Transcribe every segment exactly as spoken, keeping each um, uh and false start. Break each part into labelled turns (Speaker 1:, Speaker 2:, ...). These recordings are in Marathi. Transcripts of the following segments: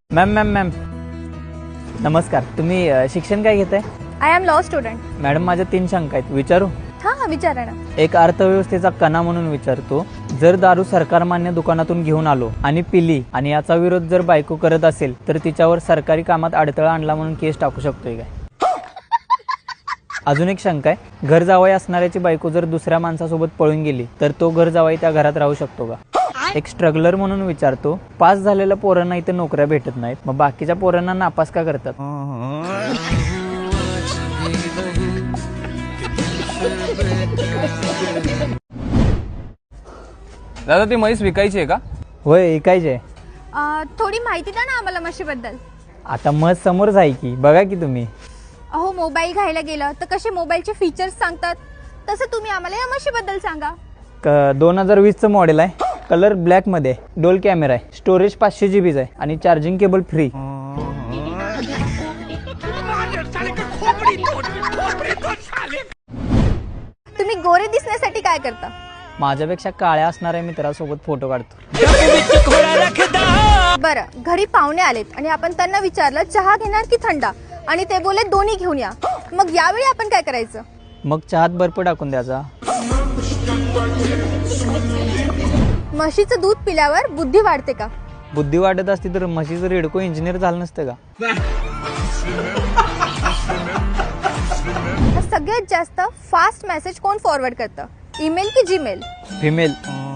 Speaker 1: मॅम मॅम मॅम नमस्कार. तुम्ही अ, शिक्षण काय घेताय?
Speaker 2: I am law student.
Speaker 1: Madam माझ्या तीन शंका आहेत, विचारू?
Speaker 2: हां हां विचारा ना.
Speaker 1: एक अर्थव्यवस्थेचा कणा म्हणून विचारतो, जर दारू सरकारमान्य दुकानातून घेऊन आलो आणि पिली आणि याचा विरोध जर बायको करत असेल तर तिच्यावर सरकारी कामात अडथळा आणला म्हणून केस टाकू शकतोय काय? अजून एक शंका आहे, घर जावई असणाऱ्याची बायको जर दुसऱ्या माणसासोबत पळून गेली तर तो घर जावई त्या घरात राहू शकतो का? एक स्ट्रगलर म्हणून विचारतो, पास झालेल्या पोरांना इथे नोकऱ्या भेटत नाहीत, मग बाकीच्या पोरांना नापास का करतात?
Speaker 3: दादा ती म्हैस विकायची आहे का?
Speaker 1: होय, ऐकायचे.
Speaker 2: अ, थोडी माहिती द्या ना आम्हाला म्हशीबद्दल.
Speaker 1: आता मत समोरच आहे की, बघा की तुम्ही.
Speaker 2: अहो मोबाईल घ्यायला गेलं तर कसे मोबाईलचे फीचर्स सांगतात, तसं तुम्ही आम्हाला या म्हशीबद्दल सांगा.
Speaker 1: क दोन हजार वीसचं मॉडेल आहे, कलर ब्लॅकमध्ये, डोल कॅमेरा आहे, स्टोरेज पाचशे जी बीचं आहे आणि चार्जिंग केबल फ्री.
Speaker 2: तुम्ही गोरे दिसण्यासाठी काय करता?
Speaker 1: माझ्यापेक्षा काळ्या असणाऱ्या मित्रासोबत फोटो काढतो.
Speaker 2: बरं, घरी पाहुणे आलेत आणि आपण त्यांना विचारलं चहा घेणार की थंडा, आणि ते बोले दोन्ही घेऊन या, मग यावेळी आपण काय करायचं?
Speaker 1: मग चहात बर्फ टाकून द्यायचा.
Speaker 2: म्हशीचं दूध पिल्यावर बुद्धी वाढते का?
Speaker 1: बुद्धी वाढत असती तर म्हशीचं रेडको इंजिनियर झालं नसतं का?
Speaker 2: सगळ्यात जास्त फास्ट मेसेज कोण फॉरवर्ड करतं, ईमेल की जीमेल?
Speaker 1: फिमेल.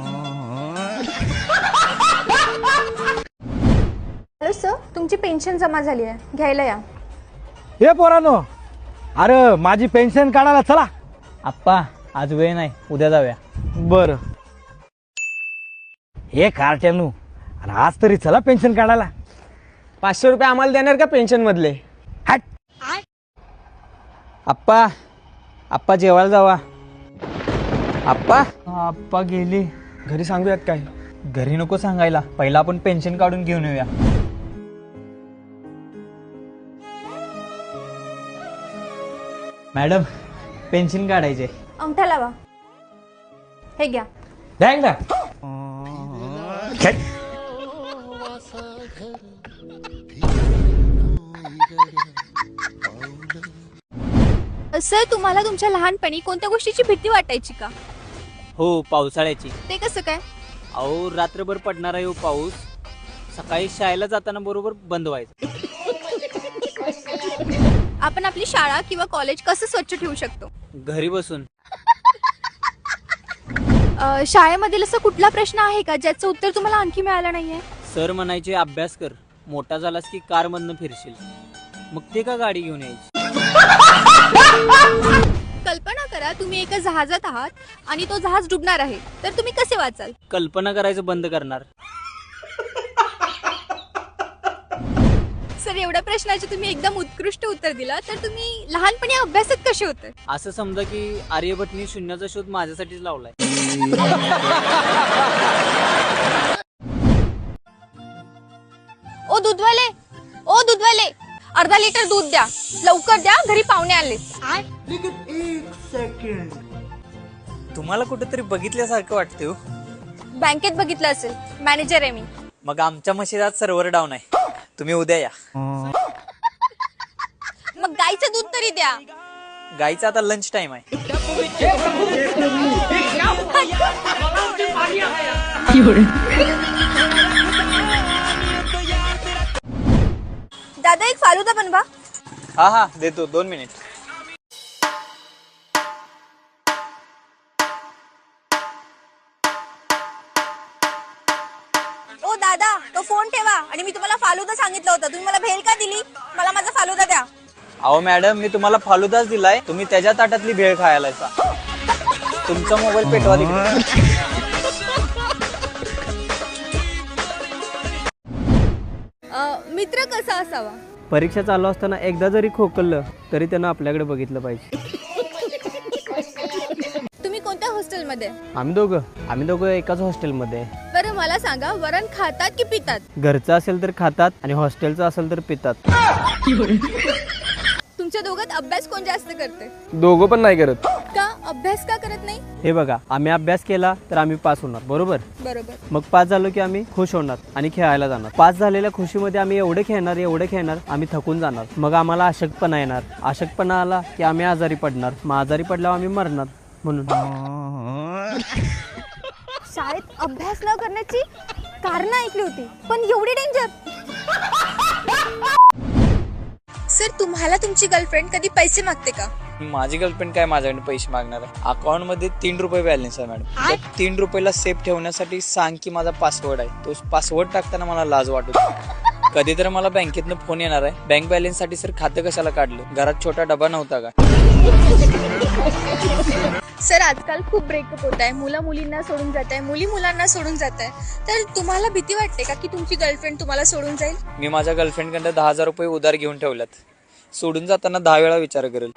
Speaker 2: हॅलो सर, तुमची पेन्शन जमा झाली आहे, घ्यायला या.
Speaker 4: हे पोरानो, अरे माझी पेन्शन काढायला चला.
Speaker 1: आप्पा आज वेळ नाही, उद्या जाऊया.
Speaker 4: बर हे कार्ट्यानू, अरे आज तरी चला पेन्शन काढायला.
Speaker 3: पाचशे रुपये आम्हाला देणार का पेन्शन मधले?
Speaker 4: हट.
Speaker 1: आप्पा आप्पा जेवायला जावा. आप्पा आप्पा गेली.
Speaker 3: घरी सांगूयात काय?
Speaker 1: घरी नको सांगायला, पहिला आपण पेन्शन काढून घेऊन येऊया. मॅडम पेन्शन काढायचे.
Speaker 2: अंगठा लावा. हे घ्या.
Speaker 4: द्यायला ना. खेट.
Speaker 2: सर, तुम्हाला तुमच्या लहानपणी कोणत्या गोष्टीची भीती वाटायची का?
Speaker 1: हो, पावसाळ्याची.
Speaker 2: ते कसं काय?
Speaker 1: अहो रात्रभर पडणारा येऊ पाऊस, सकाळी शाळेला जाताना बरोबर बंद व्हायचं.
Speaker 2: आपण आपली शाळा किंवा कॉलेज कसं स्वच्छ ठेवू शकतो?
Speaker 1: घरी बसून.
Speaker 2: अ, शाळेमधील असं कुठला प्रश्न आहे का ज्याचं उत्तर तुम्हाला आणखी मिळालं नाहीये?
Speaker 1: सर म्हणायचे अभ्यास कर, मोठा झालास की कार मधनं फिरशील. मग ते का गाडी घेऊन यायची?
Speaker 2: कल्पना करा तुम्ही एका जहाजात आहात आणि तो जहाज डुबणार आहे, तर तुम्ही कसे वाचाल?
Speaker 1: कल्पना करायचं बंद करणार.
Speaker 2: सर, एवढ्या प्रश्नाचे तुम्ही एकदम उत्कृष्ट उत्तर दिलं, तर तुम्ही लहानपणी अभ्यासात कसे होते?
Speaker 1: असं समजा की आर्यभट्टनी शून्याचा शोध माझ्यासाठीच लावलाय.
Speaker 2: ओ दूधवाले, ओ दूधवाले, अर्धा लिटर दूध द्या, लवकर द्या, घरी पाहुणे आले.
Speaker 1: तुम्हाला कुठेतरी बघितल्यासारखं वाटते हो.
Speaker 2: बँकेत बघितलं असेल, मॅनेजर आहे मी.
Speaker 1: मग आमच्या मशिदात सर्व्हर डाऊन आहे, तुम्ही उद्या या.
Speaker 2: मग गाईचं दूध तरी द्या.
Speaker 1: गाईचा आता लंच टाइम आहे.
Speaker 2: दादा एक फालुदा बनवा.
Speaker 1: हा हा देतो, दोन मिनिट.
Speaker 2: ओ दादा, तो फोन ठेवा आणि मी तुम्हाला फालुदा सांगितलं होतं, तुम्ही मला भेल का दिली? मला माझा फालुदा द्या.
Speaker 1: अहो मॅडम, मी तुम्हाला फालुदाच दिलाय, तुम्ही त्याच्या ताटातली भेळ खायला. तुमचा मोबाईल पेटवा तिकडे.
Speaker 2: मित्र कसा असावा?
Speaker 5: परीक्षा चालू असताना एकदा जरी खोकललं तरी त्यानं आपल्याकडे बघितलं पाहिजे.
Speaker 2: तुम्ही कोणत्या हॉस्टेलमध्ये?
Speaker 5: आम्ही दोघं आम्ही दोघं एकाच हॉस्टेलमध्ये.
Speaker 2: बरं मला सांगा, वरण खातात की पितात?
Speaker 5: घरचं असेल तर खातात आणि हॉस्टेलचं असेल तर पितात.
Speaker 2: तुमच्या दोघात अभ्यास कोण जास्त करते?
Speaker 3: दोघं पण नाही करत.
Speaker 2: का अभ्यास का करत नाही?
Speaker 5: हे बघा, आम्ही अभ्यास केला तर आम्ही पास होणार, बरोबर?
Speaker 2: बरोबर.
Speaker 5: मग पास झालो की आम्ही खुश होणार आणि खेळायला जाणार. पास झालेल्या खुशीमध्ये आम्ही एवढे खेळणार एवढे खेळणार आम्ही थकून जाणार. मग आम्हाला अशक्तपणा येणार. अशक्तपणा आला की आम्ही आजारी पडणार. मग आजारी पडल्यावर आम्ही मरणार. म्हणून
Speaker 2: शाळेत अभ्यास न करण्याची कारण ऐकली होती, पण एवढी डेंजर. सर, तुम्हाला तुमची गर्लफ्रेंड कधी पैसे मागते का?
Speaker 1: माझी गर्लफ्रेंड काय माझ्याकडे पैसे मागणार आहे? अकाउंट मध्ये तीन रुपये बॅलन्स आहे मॅडम. त्या तीन रुपयाला सेफ ठेवण्यासाठी सांग की माझा पासवर्ड आहे. तो पासवर्ड टाकताना मला लाज वाटत होती. कधी तर मला बँकेतनं फोन येणार आहे, बँक बॅलन्स साठी सर खातं कशाला काढलं? घरात छोटा डबा नव्हता का?
Speaker 2: सर, आजकाल खूप ब्रेकअप होत आहे. मुलं मुलींना सोडून जात आहे, मुली मुलांना सोडून जात आहे. तर तुम्हाला भीती वाटते का की तुमची गर्लफ्रेंड तुम्हाला सोडून जाईल?
Speaker 1: मी माझ्या गर्लफ्रेंड कडे दहा हजार रुपये उधार घेऊन ठेवल्यात. सोडून जाताना दहा वेळा विचार करेल.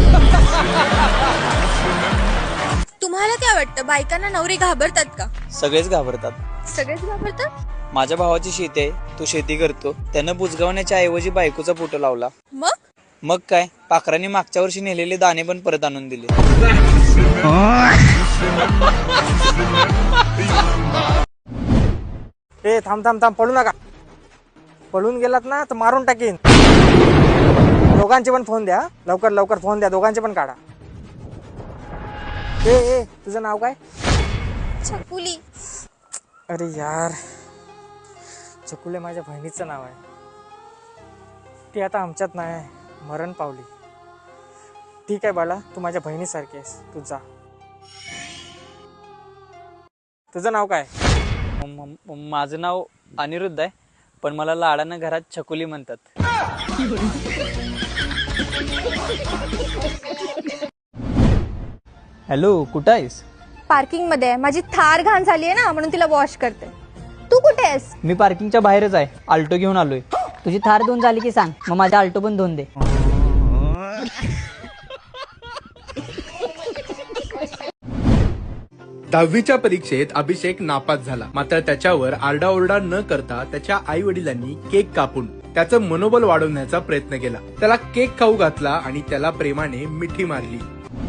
Speaker 2: तुम्हाला काय वाटतं, बायकांना नवरे घाबरतात का?
Speaker 1: सगळेच घाबरतात.
Speaker 2: सगळेच घाबरतात.
Speaker 1: माझ्या भावाची शेती आहे, तो शेती करतो. त्यानं बुजगावण्याच्या ऐवजी बायकोचा फोटो लावला.
Speaker 2: मग
Speaker 1: मग काय, पाखरांनी मागच्या वर्षी नेलेले दाणे पण परत आणून दिले.
Speaker 3: ए थांब थांब थांब, पळू नका. पळून गेलात ना तर मारून टाकीन. दोघांचे पण फोन द्या, लवकर लवकर फोन द्या, दोघांचे पण काढा. ए ए तुझं नाव काय?
Speaker 2: छकुली.
Speaker 3: अरे यार, चकुले माझ्या बहिणीचं नाव आहे. ती आता आमच्यात नाही, मरण पावली. ठीक आहे बाळा, तू माझ्या बहिणीसारखी आहेस, तू जा. तुझं नाव काय?
Speaker 1: म- म- माझं नाव अनिरुद्ध आहे, पण मला लाडानं घरात छकुली म्हणतात. हॅलो, कुठं आहेस?
Speaker 2: पार्किंग मध्ये आहे. माझी थार घाण झाली आहे ना, म्हणून तिला वॉश करते. तू कुठे आहेस?
Speaker 1: मी पार्किंगच्या बाहेरच आहे, आल्टो घेऊन आलोय.
Speaker 6: तुझी थार धुवून झाली की सांग, मग माझा आल्टो पण धुवून दे.
Speaker 7: दहावीच्या परीक्षेत अभिषेक नापास झाला. मात्र त्याच्यावर आरडाओरडा न करता त्याच्या आई वडिलांनी केक कापून त्याचं मनोबल वाढवण्याचा प्रयत्न केला. त्याला केक खाऊ घातला आणि त्याला प्रेमाने मिठी मारली.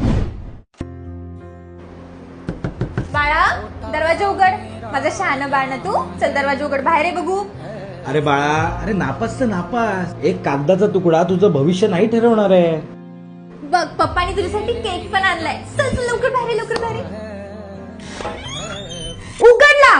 Speaker 2: बाळा, दरवाजा उघड. माझं शहाणं बाळ ना तू. चल दरवाजा उघड, बाहेर आहे बघू.
Speaker 4: अरे बाळा, अरे नापास तर नापास, एक कागदाचा तुकडा तुझं भविष्य नाही ठरवणार आहे.
Speaker 2: बघ, पप्पानी तुझ्यासाठी केक पण आणलाय. चल चल लवकर बाहेर ये, लवकर बाहेर ये. उघडला.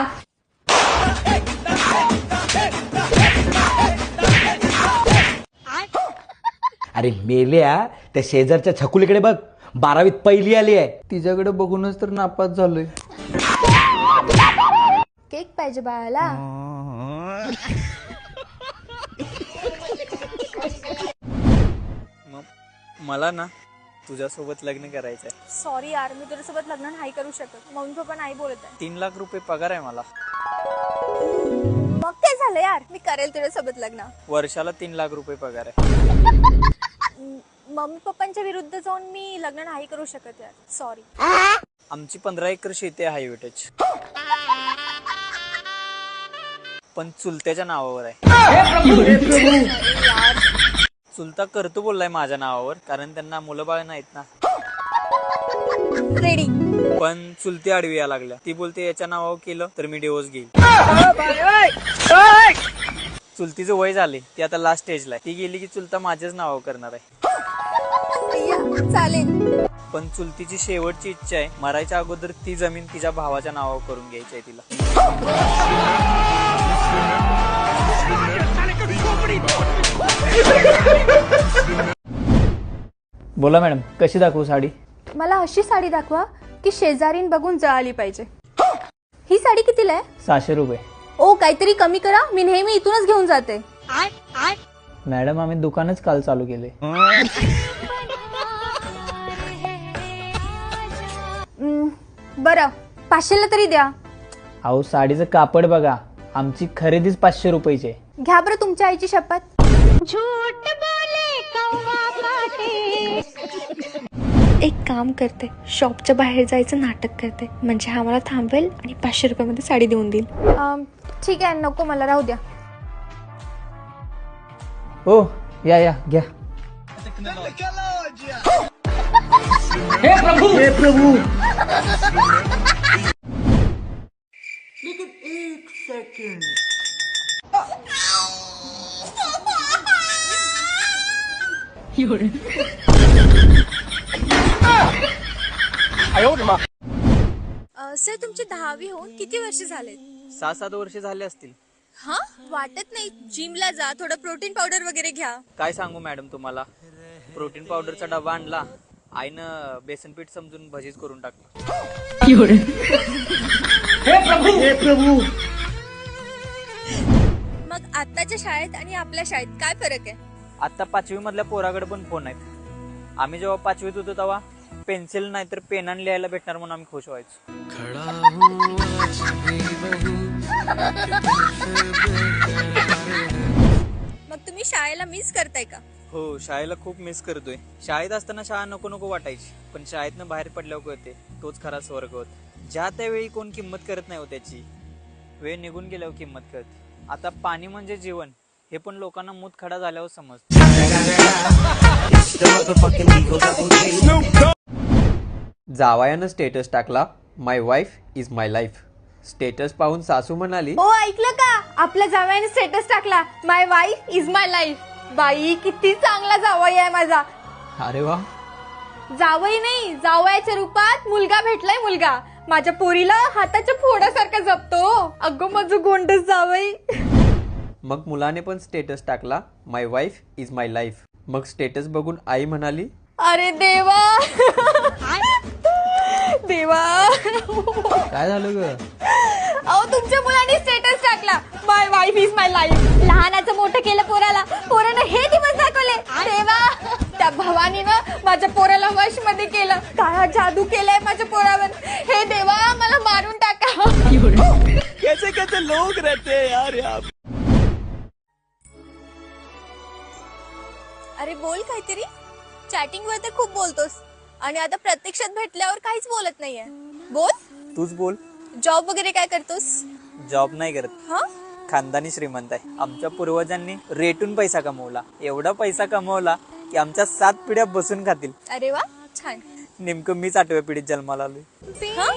Speaker 4: अरे मेल्या, त्या शेजारच्या छकुलीकडे बघ, बारावीत पहिली आली आहे.
Speaker 1: तिच्याकडे बघूनच तर नापास झालोय.
Speaker 2: केक पाहिजे बाळाला.
Speaker 1: मला ना तुझ्यासोबत लग्न करायचंय.
Speaker 2: सॉरी यार, मी तुझ्यासोबत लग्न नाही करू शकत. मम्मी पप्पा नाही बोलत आहे.
Speaker 1: तीन लाख रुपये पगार आहे मला.
Speaker 2: मग काय झालं यार, मी करेल तुझ्यासोबत लग्न.
Speaker 1: वर्षाला तीन लाख रुपये पगार आहे.
Speaker 2: मम्मी पप्पांच्या विरुद्ध जाऊन मी लग्न नाही करू शकत यार, सॉरी.
Speaker 1: आमची पंधरा एकर शेती आहे हायवेटेज, पण चुलत्याच्या नावावर आहे. चुलता करतो बोललाय माझ्या नावावर, कारण त्यांना मुलं बाळ नाहीत ना.
Speaker 2: रेडी.
Speaker 1: पण चुलती आडवी या लागल्या. ती बोलते याच्या नावावर केलं तर मी डिवोर्स घेईल. चुलतीचं वय झाले, ती आता लास्ट स्टेजला आहे. ती गेली की चुलता माझ्याच नावावर करणार आहे.
Speaker 2: चालेल.
Speaker 1: पण चुलतीची शेवटची इच्छा आहे, मरायच्या अगोदर ती जमीन तिच्या भावाच्या नावावर करून घ्यायची आहे तिला. बोला मॅडम, कशी दाखवू साडी?
Speaker 2: मला अशी साडी दाखवा की शेजारीन बघून जळाली पाहिजे. ही साडी कितीला आहे?
Speaker 1: सहाशे रुपये.
Speaker 2: ओ, काहीतरी कमी करा. मी नेहमी इथूनच घेऊन जाते.
Speaker 1: मॅडम, आम्ही दुकानच काल चालू केले.
Speaker 2: बरं, पाचशेला तरी द्या.
Speaker 1: अहो, साडीचं कापड बघा, आमची खरेदीच पाचशे रुपयाची आहे.
Speaker 2: घ्या बरं तुमच्या आईची शपथ. एक काम करते, शॉपच्या बाहेर जायचं नाटक करते, म्हणजे हा मला थांबवेल आणि पाचशे रुपयामध्ये साडी देऊन देईल. ठीक आहे, नको मला, राहू द्या.
Speaker 1: हो, या या घ्या.
Speaker 2: सर तुमची दहावी होऊन किती वर्ष झालेत?
Speaker 1: सहा सात वर्ष झाले असतील.
Speaker 2: हा वाटत नाही. जिमला जा, थोडं प्रोटीन पावडर वगैरे घ्या.
Speaker 1: काय सांगू मॅडम तुम्हाला, प्रोटीन पावडरचा डबा आणला, आईनं बेसन पीठ समजून भजीच करून टाकलं.
Speaker 2: मग आताच्या शाळेत आणि आपल्या शाळेत काय फरक आहे?
Speaker 1: आता पाचवी मधल्या पोराकडे पण फोन आहेत. आम्ही जेव्हा पाचवीत होतो तेव्हा पेन्सिल नाही तर पेनाने लिहायला भेटणार म्हणून आम्ही खुश व्हायचो.
Speaker 2: मग तुम्ही शाळेला मिस करताय का?
Speaker 1: हो, शाळेला खूप मिस करतोय. शाळेत असताना शाळा नको नको वाटायची, पण शाळेतनं बाहेर पडल्यावर कळते तोच खरा स्वर्ग होता. ज्या त्यावेळी कोण किंमत करत नाही हो त्याची, वेळ निघून गेल्यावर किंमत कळते. आता पाणी म्हणजे जीवन हे पण लोकांना मूतखडा झाल्यावर समजतं.
Speaker 5: जावयानं स्टेटस टाकला, my wife is my life. Status पाहून सासू म्हणाली,
Speaker 2: हो ऐकलं का, आपल्या जावयाने स्टेटस टाकला, my wife is my life. बाई किती चांगला जावई आहे माझा.
Speaker 5: अरे वा.
Speaker 2: जावई नाही, जावयाच्या रूपात मुलगा भेटलाय. मुलगा माझ्या पोरीला हाताच्या फोडासारखा जपतो. अगं माझं गोंडस जावई.
Speaker 5: मग मुलाने पण स्टेटस टाकला, my wife is my life. मग स्टेटस बघून आई म्हणाली,
Speaker 2: अरे देवा देवा.
Speaker 5: काय झालं ग?
Speaker 2: अहो तुमच्या मुलाने स्टेटस टाकला, my wife is my life. लहानाचं मोठं केलं पोराला, पोरानं हे दिवस दाखवले. देवा, त्या भवानीनं माझ्या पोराला वश मध्ये केलं. काळा जादू केलाय माझ्या पोरावर. हे देवा, मला मारून टाका.
Speaker 5: कैसे कैसे लोग रहते हैं यार यहाँ.
Speaker 2: अरे बोल काहीतरी. चॅटिंग वर तर खूप बोलतोस आणि आता प्रत्यक्षात भेटल्यावर काहीच बोलत नाहीये. बोल.
Speaker 1: तूच बोल.
Speaker 2: जॉब वगैरे काय करतोस?
Speaker 1: जॉब नाही करत.
Speaker 2: हा,
Speaker 1: खानदानी श्रीमंत आहे. आमच्या पूर्वजांनी रेटून पैसा कमवला. एवढा पैसा कमवला की आमच्या सात पिढ्या बसून खातील.
Speaker 2: अरे वा, छान.
Speaker 1: नेमकं मीच आठव्या पिढीत जन्माला आलोय.
Speaker 2: हा?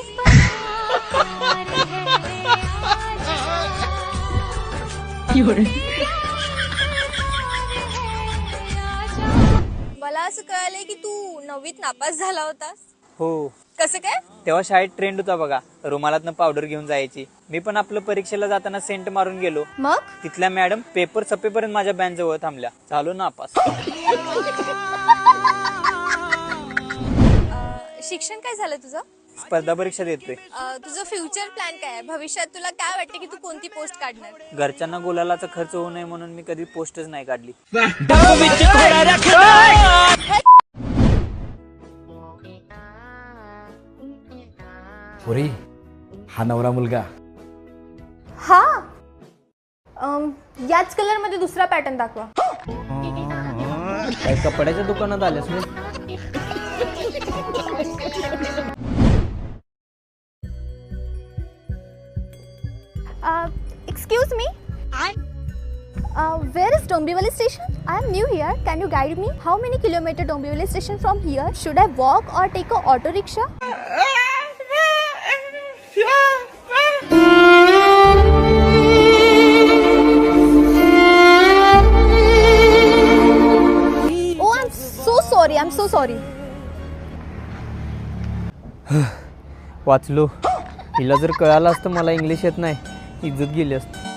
Speaker 2: मला असं कळालंय की तू नववीत नापास झाला होतास.
Speaker 1: हो,
Speaker 2: कसं काय?
Speaker 1: तेव्हा शाळेत ट्रेंड होता बघा, रुमालातनं पावडर घेऊन जायची. मी पण आपलं परीक्षेला जाताना सेंट मारून गेलो.
Speaker 2: मग
Speaker 1: तिथल्या मॅडम पेपर सपेपर्यंत माझ्या बँच जवळ थांबल्या. झालो नापास.
Speaker 2: शिक्षण काय झालं तुझं?
Speaker 1: स्पर्धा परीक्षा देतोय.
Speaker 2: अं, तुझं फ्युचर प्लॅन काय आहे? भविष्यात तुला काय वाटतं की तू कोणती पोस्ट काढणार?
Speaker 1: घरच्यांना गुलालाचा खर्च होऊ नये म्हणून मी कधी पोस्टच नाही काढली.
Speaker 4: पोरी, हा नवरा मुलगा.
Speaker 2: हा, याच कलर मध्ये दुसरा पॅटर्न दाखवा.
Speaker 5: काय कपड्याच्या दुकानात आल्यास मी?
Speaker 2: Excuse me, where is Dombivli station? I am new here. Can you guide me? How many kilometer Dombivli station from here? Should I walk or take a auto rickshaw? Oh, I'm so sorry. I'm so sorry.
Speaker 5: वाचलो. हिला जर कळालं असतं मला इंग्लिश येत नाही, इज्जत गेली असती.